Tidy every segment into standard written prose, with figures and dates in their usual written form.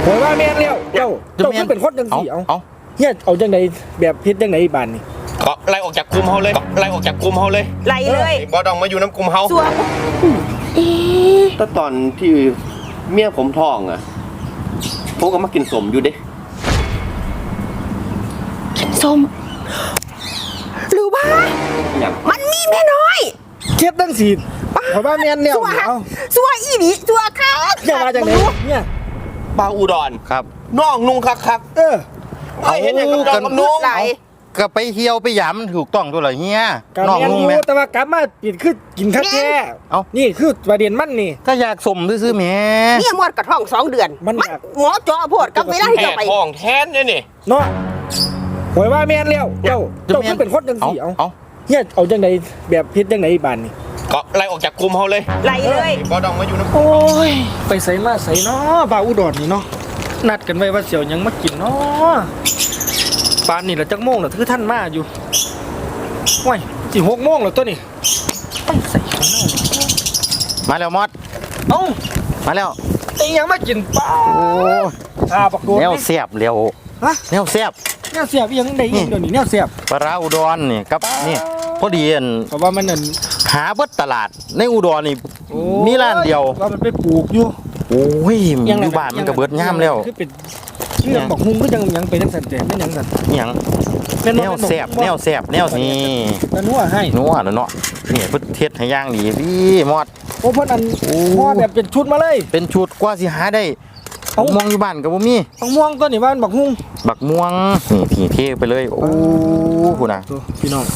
ผมว่าแม่นแล้วเจ้าคือเป็นคนจังสี่เอาเฮียเอาจังไดแบบพิษจังไดบ้านนี่ก็ไล่ออกจากกลุ่มเฮาเลยไล่ออกจากกลุ่มเฮาเลยไล่เลยบ่ต้องมาอยู่น้ำกลุ่มเฮาสัวแต่ตอนที่เมียผมท้องอ่ะผมก็มากินสมอยู่เด้ส้มหรือว่ามันมีแม่น้อยเทียบตั้งสี่ผมว่าแม่นแล้วสัวอีนี่สัวค่ะจะมาจากไหนเนี่ยปลาอุดรครับน้องนุ่งคักไม่เห็นอย่างกับน้องนุ่งก็ไปเที่ยวไปหยามถูกต้องตัวเหรอเฮียน้องนุ่งแต่ว่ากลับมาปิดคือกินข้าวแก่นี่คือประเด็นมันนี่ก็อยากสมซื้อแม่เนี่ยมดกระท้อง2 เดือนมันหมอจ่อโพดกับเวลาที่จะไปท้องแทนนี่เนาะผมว่าแม่นแล้วเจ้าคือเป็นคนจังสี่เอาเฮียเอาจังไดแบบพิษจังไดบ้านนี่ก็ไล่ออกจากกลุ่มเฮาเลยไล่เลยบ่ต้องมาอยู่น้ำโอ้ยไปใส่มาใส่เนาะบ่าวอุดรนี่เนาะนัดกันไว้ว่าเสี่ยวยังมากินเนาะปานนี่ละจักโมงละคือท่านมาอยู่ว้ายสิ6 โมงแล้วตัวนี่ไปใส่ข้างนอกมาแล้วมอดเอ้ามาแล้วไอ้ยังมากินป้าโอ้ปักโดนแนวเสียบเร็วแนวเสียบยังได้ยินเดี๋ยวนี้แนวเสียบปลาอุดรนี่กับนี่พอดีเพราะว่ามันนั่นหาเบิดตลาดในอุดรนี่มีร้านเดียวว่ามันไปปลูกอยู่โอ้ยอยู่บ้านมันก็เบิดย่ามแล้วคือเป็นเรื่องบอกฮุ้งก็ยังไปทั้งสันแต่ไม่ยังสันยังแนวแสบแนวนี่นัวให้นัวเนาะนี่เพิ่นเทศให้ย่างดีพี่มอดโอ้เพิ่นอันมอดแบบเป็นชุดมาเลยเป็นชุดกว่าสิหาได้ม่วงอยู่บ้านก็บ่มีม่วงก็นี่บ้านบักฮุ้งบักม่วงนี่ที่เทไปเลยโอ้พุ่นน่ะพี่น้อง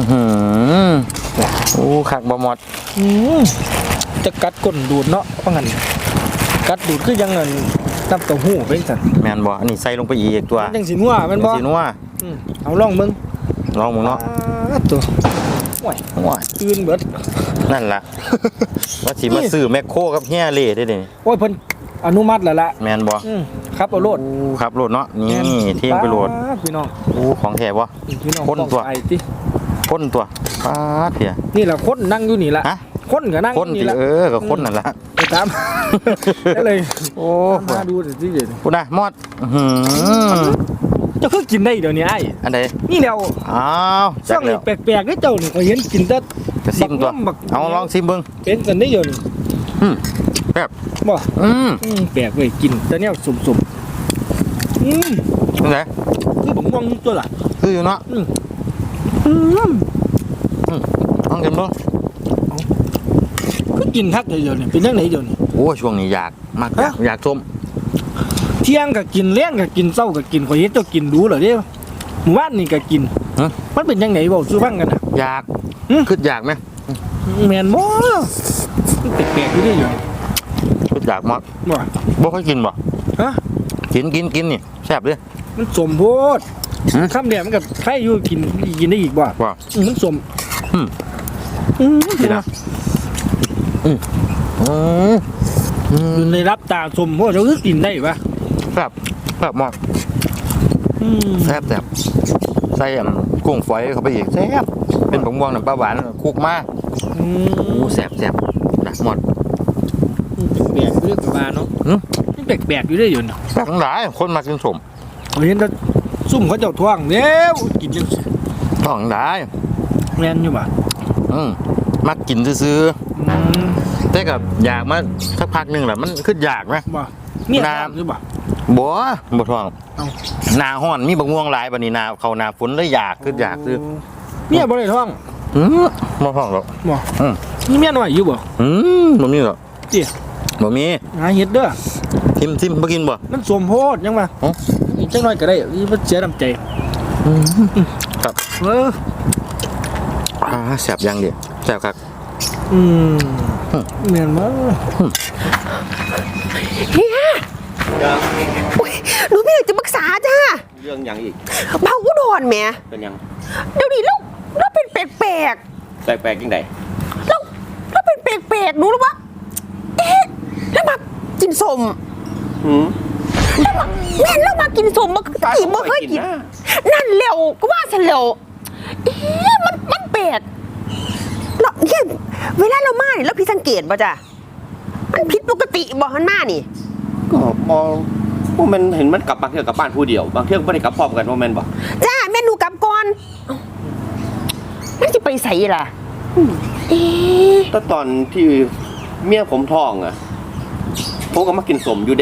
โอ้คักบ่มอดจะกัดก้นดูดเนาะว่างั้นกัดดูดคือยังเงินน้ำเต้าหู้เป็นสันแม่นบ่อันนี้ใส่ลงไปอีกตัวยังสินัวแม่นบ่สินัวเอาลองมึงเนาะตัวว้ายตื่นเบิดนั่นล่ะว่าสิมาซื้อแมคโครกับเฮียเล่ได้นี่โอ้ยเพิ่นอนุมัติแล้วล่ะแม่นบ่ครับเอาโลดครับโลดเนาะนี่เที่ยงไปโลดพี่น้องโอ้ของแท้บ่คนตัวไอ้ติคนตัวป๊าดเพียนี่ล่ะคนนั่งอยู่นี่ล่ะคนก็นั่งนี่ล่ะก็คนนั่นล่ะไปตามได้เลยโอ้มาดูสิเดี๋ยวพุ่นน่ะมอดเจ้าคือกินได้เดี๋ยวนี้ไอ้อันใดนี่แล้วอ้าวช่วงนี้แปลกๆนี่เจ้านี่ก็เห็นกินแต่ซิมตัวเอาลองซิมเบิ่งเป็นกันได้อยู่นี่แบบบ่แปลกเว้ยกินแต่เนี่ยสุ่มจังได๋คือบักม่วงตัวล่ะคืออยู่เนาะลองกินเบิ่งคือกินคักเดี๋ยวนี้เป็นจังได๋เดี๋ยวนี้โอ้ช่วงนี้อยากมากอยากส้มเที่ยงก็กินเลี้ยงก็กินเช้าก็กินข่อยเห็นเจ้ากินดูเหรอเด้หมู่บ้านนี่ก็กินมันเป็นจังได๋เว้าสู่ฟังกันน่ะอยากคิดอยากมั้ยแม่นบ่แปลกๆอยู่เด้อยู่คิดอยากมากบ่ค่อยกินบ่ฮะกินนี่แซ่บเด้มันสมโพดคำเดียวมันก็ใครอยู่กินได้อีกบ่มันสมนี่นะอยู่ในรับตาสมโพดเราคือกินได้ปะแบบมากแซ่บใส่กุ้งฝอยเข้าไปอีกแซ่บเป็นผงม่วงน้ำปลาหวานคุกมากโอ้แซ่บนะหมดแปลกเรื่องกับมาเนาะนี่แปลกอยู่ได้อยู่เนาะแปลกทั้งหลายคนมากินสมเห็นแต่ซุ่มเขาเจ้าท่วงเนี้ยกินยังท่องได้แม่นอยู่ป่ะมากินซื้อแต่กับอยากมาสักพักหนึ่งแหละมันขึ้นอยากไหมเนี่ยหรือเปล่าบ่ท่องนาห้อนมีบางม่วงหลายบัดนี้นาเขานาฝนเลยอยากขึ้นอยากซื้อเนี่ยบ่ได้ท่องบ่ท่องหรอกบ่นี่เมียน้อยอยู่บ่บ่มีหรอกจิบ่มีหาเห็ดเด้อทิมบ่กินบ่มันสมโพธยังมาจังน้อยก็ได้มันเสียน้ำใจครับแซ่บยังดิแซ่บครับเมียนมากเฮียหนูไม่อยากจะปรึกษาจ้าเรื่องยังอีกเบาอุดรแม่เป็นยังเดี๋ยวนี้เราเป็นแปลกยังไงเราเป็นแปลกหนูรู้ปะแล้วมากินสมแล้วมากินสมมากี่เมื่อเคยกินนั่นเร็วก็ว่าฉันเร็วมันแปลกเนี่ยเวลาเรามาเนี่ยแล้วพี่สังเกตป่ะจ้ะมันผิดปกติบอกมันมานี่ก็มองว่ามันเห็นมันกลับบางเที่ยวกลับบ้านผู้เดียวบางเที่ยวไม่ได้กลับพร้อมกันว่าแม่นบ่จ้าแม่หนูกลับก่อนเอ้ามันจะไปใส่ล่ะเอ๊ะแต่ตอนที่เมียผมท้องอ่ะผมก็มากินสมอยู่เด้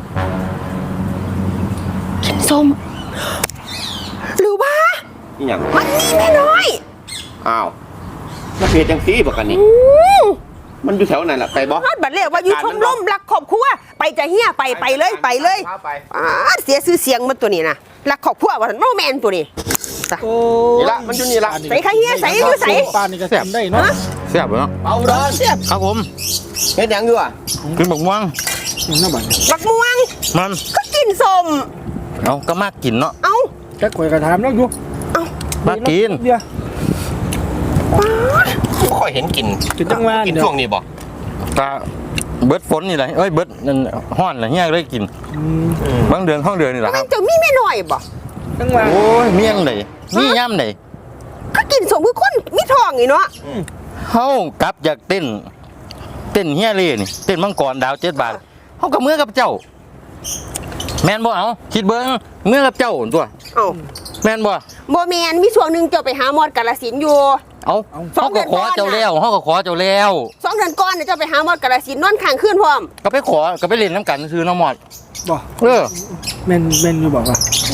ส้มหรือว่านี่หยังมันนี่แม่น้อยอ้าวแล้วเพจจังซี่บ่กันนี่อืมมันอยู่แถวไหนล่ะไปบ่ฮอดบัดเลยว่าอยู่ชมรมรักครอบครัวไปจะเฮียไปเลยไปเลยไปเสียชื่อเสียงมันตัวนี้นะรักครอบครัวว่าโนแมนตัวนี้จ้ะโอ้นี่ละมันอยู่นี่ละใส่ข้าวเหี้ยใส่อยู่ใส่ปลานี่ก็แซ่บได้เนาะแซ่บเนาะเอาเด้อเสียบครับผมเฮ็ดหยังอยู่อ่ะกินบักม่วงน้าบัดบักม่วงมันก็กินส้มเอาก็มากกินเนาะเอ้าจักข่อยก็ถามแล้วอยู่มากกินเดี๋ยวไม่ค่อยเห็นกินกินจังหวะกินเดี๋ยวช่วงนี้บ่กะเบิดฝนนี่แหละเอ้ยเบิดนั่นฮ้อนแหละเฮียเลยกินอืมบางเดือนห้องเดือนนี่แหละคมัรันบจะมีแม่น้อยบ่จังหวะโอ้ยเมี่ยงไหนมีย่ำไหนก็กินส้มคือคนมีทองนี่เนาะเฮากลับจากเต้นเฮียเลยนี่เต้นมังกรดาว7 บาทเฮากับมือกับเจ้า แม่นบ่เอาคิดเบิ่งมือกับเจ้าตัวเอ้าแม่นบ่บ่แมนมีช่วงหนึงเจ้าไปหาหมอดกาฬสินธุ์อยู่เอาเฮาก็ขอเจ้าแล้วเฮาก็ขอเจ้าแล้ว 2 เดือนก่อนน่ะเจ้าไปหาหมอดกาฬสินธุ์นอนข้างคืนพร้อมก็ไปขอก็ไปเล่นน้ำกันซื้อน้ำหมอดบ่เออแม่นอยู่บอกว่า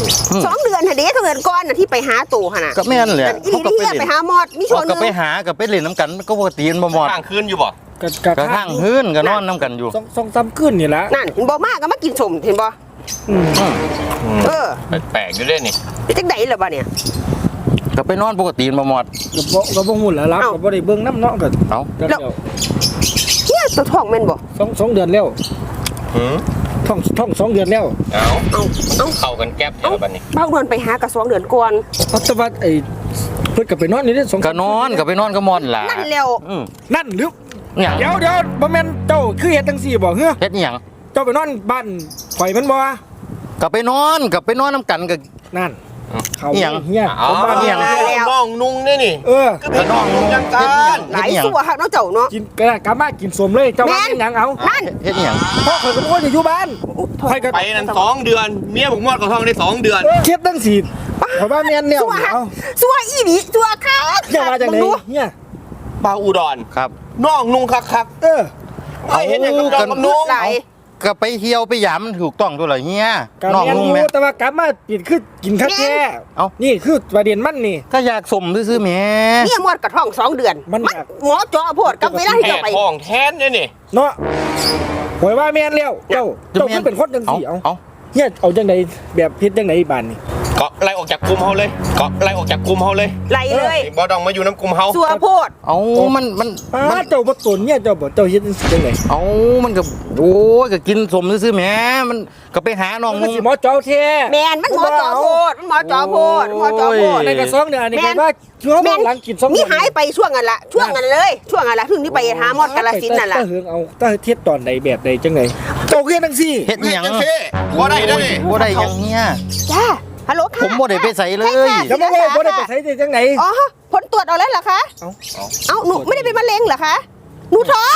2 เดือนหั่นเด้2 เดือนก่อนน่ะที่ไปหาตู่หั่นน่ะก็แม่นแหละอีเขาก็นี่ไปไปเล่นหาหมอดมีช่วงหนึก็งไปหาก็ไปเล่นน้ำกันก็ปกติมันบ่หมอดข้างคืนอยู่บ่กะก็ข้างพื้นก็นอนน้ำกันอยู่สองสามคืนนี่ละนั่นเห็นบ่มากก็มากินส้มเห็นบ่อืมอืมเออแปลกๆอยู่เด้นี่เป็นจังได๋ล่ะบ่เนี่ยก็ไปนอนปกติมันบ่หมอดก็บ่หุ่นแล้วรับเอ้าก็บ่ได้เบิ่งน้ำเนาะก็เอาก็เดี๋ยวเฮียตัวท้องแม่นบ่สองเดือนแล้วหืมท่อง2 เดือนแล้วเอาเอ้าเอ้าเข้ากันแก๊บแถวบัดนี้บางเดือนไปหาก็2 เดือนก่อนเอาแต่ว่าไอ้เพิ่นก็ไปนอนนี่เด้อ2 ก็นอนก็ไปนอนก็มอนล่ะนั่นแล้วอืมนั่นหรือเนี่ยเดี๋ยวบ่แม่นเจ้าคือเฮ็ดจังซี่บ่เฮ้อเฮ็ดอีหยังเจ้าไปนอนบ้านข่อยมันบ่ก็ไปนอนน้ำกันก็นั่นเขาอิหยังเฮียเอาผมว่าเนี่เนี่ย ยน้องนุ่งนี่นี่เออก็เป็นน้องนุ่งยังกันหลายสัวฮักเนาะเจ้าเนาะกินกะมากินสมเลยเจ้าว่าแม่นเป็นหยังเอานั่นเฮ็ดอีหยังพ่อข่อยก็บ่ว่าจะอยู่บ้านข่อยก็ไปนั่น2 เดือน เมียผมมอดกับท้องได้2 เดือนเฮ็ดจังซี่ข่อยว่าแม่นแล้วสัวฮักเอาสัวอีหลีสัวคักเจ้าว่าจังได๋มึดูเฮียปลาอุดรครับน้องนุ่งคักเออๆไม่เห็นอย่างกับจอมกับนุ่งหลายก็ไปเที่ยวไปหยามมันถูกต้องตัวละเฮียก็น้องแม่นนุ่งอยู่แม่แต่ว่ากลับมาปิดคือกินข้าวแก่เอ้านี่คือประเด็นมันนี่ก็อยากสมซื่อๆแหม่เนี่ยหมดกระท้อง2 เดือนมันอยากหมอเจาะโพดกับเวลาที่แค่เจ้าไปท้องแทนเนี่ยนี่เนาะข่อยว่าแม่นแล้วเจ้าคือเป็นคนจังซี่เอาเอาเฮียเอาจังไดแบบเฮ็ดจังไดบ้านนี่ก็ไล่ออกจากกลุ่มเฮาเลยก็ไล่ออกจากกลุ่มเฮาเลยไหลเลยบ่ต้องมาอยู่น้ำกลุ่มเฮาสัวโพดเอามันป้าเจ้าบ่ตนเนี่ยเจ้าบ่เจ้าเฮ็ดจังซี่จังได๋เอามันก็โอ้ยก็กินสมซื่อๆแหม่มันก็ไปหาน้องมันนุ่งสิหมอเจ้าแท้แมนมันหมอเจาะโพดมันหมอเจาะโพดมันหมอเจาะโพดในกระซองเนี่ยอันนี้ก็ว่าช่วงหลังกิน2 มีหายไปช่วงนั้นละช่วงนั้นเลย ช่วงนั้นละถึงที่ไปหาหมอดกาฬสินธุ์นั่นล่ะตาเฮืองเอาตาเทียดตอนใดแบบใดจังไดเจ้าเฮ็ดจังซี่เฮ็ดอีหยังบ่ได้เด้อนี่บ่ได้หยังเฮียจ้าฮัลโหลค่ะผมบ่ได้ไปใส่เลยจะมาว่าบ่ได้ไปใช้ได้จังไดอ๋อผลตรวจเอาแล้วเหรอคะ เอ้าหนูไม่ได้เป็นมะเร็งเหรอคะหนูท้อง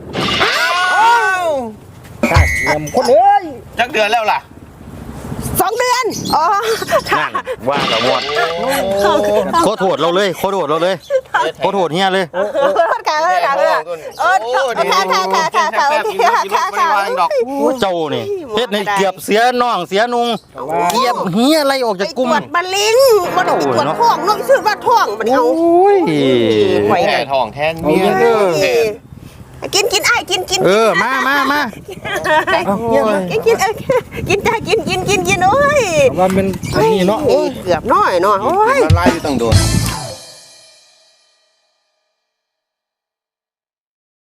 ตาเงียมคนเอ้ยจักเดือนแล้วล่ะ 2 เดือนอ๋อค่ะนั่นว่ากับหมดขอโทษเราเลยขอโทษเราเลยขอโทษเฮียเลยขอโทษค่ะเลยค่ะเลยค่ะโอเคค่ะเจ้านี่เฮ็ดให้เกียบเสียน้องเสียนุงเกียบเฮียอะไรออกไปจากตกลุ่มรวจมะเร็งมันต้องไปตรวจท้องน้องชื่อว่าท้องมันเอาโอ้ยไหวแค่ท้องแทนเมียกินไอ้กินเออมาเอาเงียบกินจ้ากินโอ้ยว่ามันอันนี้เนาะเกือบน้อยเนาะโอ้ยละลายอยู่ตั้งโดน